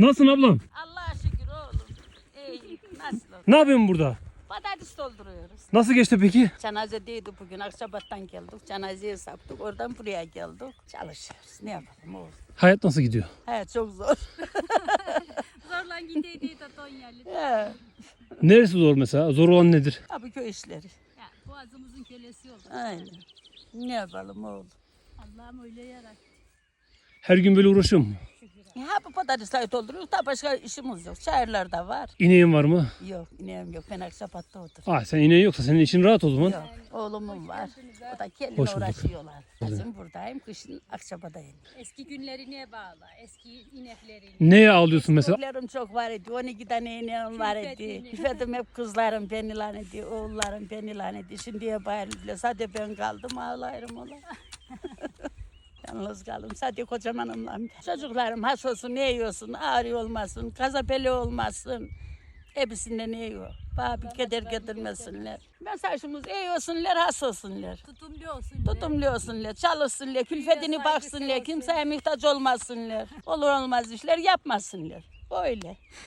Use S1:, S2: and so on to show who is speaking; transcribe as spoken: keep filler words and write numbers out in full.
S1: Nasılsın ablam?
S2: Allah'a şükür oğlum. İyi. Nasıl olur?
S1: Ne yapıyorsun burada?
S2: Patates dolduruyoruz.
S1: Nasıl geçti peki?
S2: Cenazedeydi bugün. Akçabat'tan geldik. Cenazeye saptık. Oradan buraya geldik. Çalışıyoruz. Ne yapalım oğlum?
S1: Hayat nasıl gidiyor?
S2: He çok zor.
S3: Zorla gideydi de Tonya'lı.
S2: He.
S1: Neresi zor mesela? Zor olan nedir?
S2: Abi köy işleri.
S3: Ya, boğazımızın kölesi oldu.
S2: Aynen. Ne yapalım oğlum?
S3: Allah'ım öyle yarattı.
S1: Her gün böyle uğraşıyor mu?
S2: Ha bu patatesleri dolduruyoruz. Daha başka işimiz yok. Çayırlarda var.
S1: İneğin var mı?
S2: Yok ineğim yok. Ben Akçabat'ta oturuyorum.
S1: Aa, sen ineğin yoksa senin için rahat o zaman.
S2: Yok. Oğlumun var. O da kendine
S1: Hoş bulduk.
S2: uğraşıyorlar. Kızım buradayım. Kışın Akçabat'tayım.
S3: Eski günlerine bağlı. Eski ineklerine.
S1: Neye ağlıyorsun mesela?
S2: Çocuklarım çok var idi. on iki tane ineğim var idi.
S3: Külfetini.
S2: Külfetim hep kızlarım beni lan idi. Oğullarım beni lan idi. Şimdiye bayılıyor. Sadece ben kaldım ağlarım ola. Yalnız kaldım. Sadece kocamanımla. Çocuklarım has olsun, ne yiyorsun, ağrı olmasın, kazapeli olmasın. Hepsinden ne yiyor. Bana bir keder getirmesinler. Ben saçımız iyi olsunlar, has olsunlar.
S3: Tutumlu olsun.
S2: Tutumlu olsunlar, çalışsınlar, külfetini baksınlar, kimseye muhtaç olmasınlar. Olur olmaz işler yapmasınlar. Öyle.